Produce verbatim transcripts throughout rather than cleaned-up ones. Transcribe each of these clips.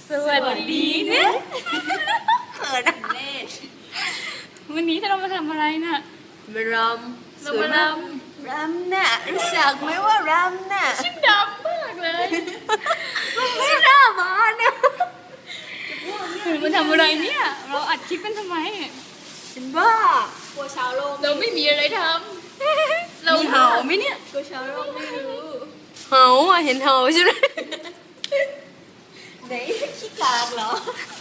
สวัสดีนะเขินเล่นวันนี้เรามาทำอะไรน่ะมารำสวยมากรำน่ะรู้จักไหมว่ารำน่ะชิมดำมากเลยไม่น่ามาเนี่ยมันทำอะไรเนี่ยเราอัดคลิปกันทำไมฉันบ้ากลัวชาวโลกเราไม่มีอะไรทำเรามีเห่าไหมเนี่ยกลัวชาวโลกไม่รู้เห่าอ่ะเห็นเห่าใช่ไหมไหนขี้กากเหรอ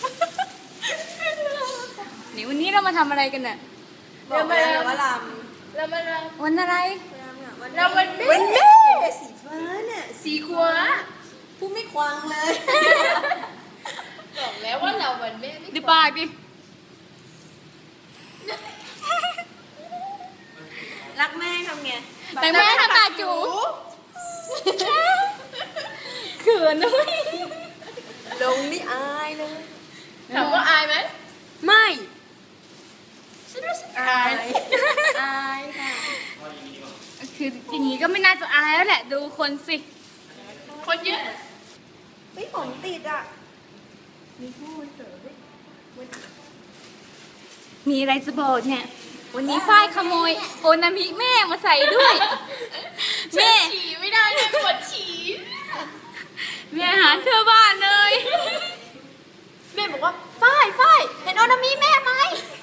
นี่วันนี้เรามาทำอะไรกันน่ะเรามาเรามาลำเรามาลำวันอะไรเราวันแม่วันแม่สีฟ้าเนี่ยสีขวาพูดไม่ควางเลยบอกแล้วว่าเราวันแม่ไม่ดิปากดิรักแม่ทำไงแต่แม่ทำปากจูเขินด้วยลงนี่อายเลยถามว่าอายไหมไม่ฉันรู้สึกอายอายค่ะคืออย่างนี้ก็ไม่น่าจะอายแล้วแหละดูคนสิคนเยอะไม่ผมติดอ่ะมีผู้เสริมมีอะไรจะบอกเนี่ยวันนี้ฝ้ายขโมยโอนามิแม่มาใส่ด้วยแม่ฉี่ไม่ได้เลยปวดฉี่แม่หาเธอบ้านเลยแม่บอกว่าฝ้ายฝ้ายเห็นโอนามิแม่ไหม